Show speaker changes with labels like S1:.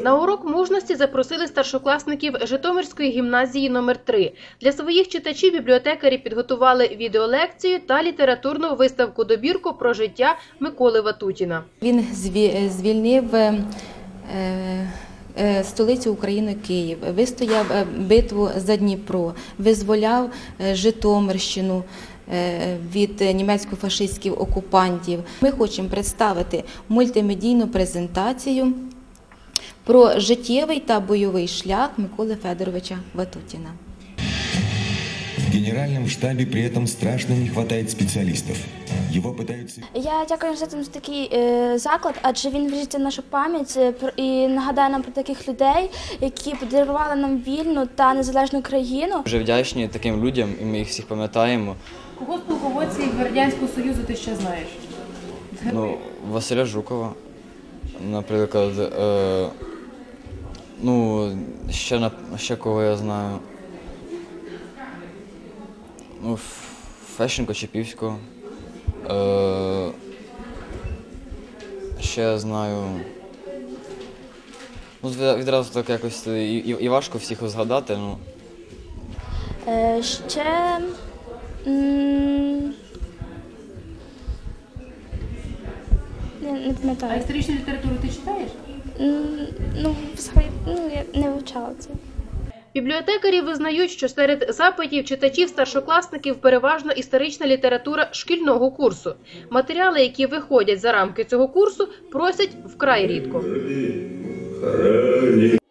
S1: На урок мужності запросили старшокласників Житомирської гімназії номер 3. Для своїх читачів бібліотекарі підготували відеолекцію та літературну виставку-добірку про життя Миколи Ватутіна.
S2: Він звільнив столицю України Київ, вистояв битву за Дніпро, визволяв Житомирщину від німецько-фашистських окупантів. Ми хочемо представити мультимедійну презентацію про життєвий та бойовий шлях Миколи Федоровича Ватутіна.
S3: В Генеральном штабе при этом страшно не хватает специалистов. Его пытаются...
S4: Я дякую університету за такий заклад, адже він вріжеться в нашу пам'ять і нагадає нам про таких людей, які подарували нам вільну та незалежну країну.
S5: Дуже вдячні таким людям, і ми їх всіх пам'ятаємо.
S6: Кого з полководців Радянського Союзу ти ще знаєш?
S5: Ну, Василя Жукова, наприклад. Ще кого я знаю. Ну, Фещенко, Чепівського. Ще я знаю. Ну, відразу так якось і важко всіх згадати. Ну.
S4: Ще... Не пам'ятаю.
S6: А історичну літературу ти читаєш?
S4: Я не вивчала це.
S1: Бібліотекарі визнають, що серед запитів читачів-старшокласників переважно історична література шкільного курсу. Матеріали, які виходять за рамки цього курсу, просять вкрай рідко.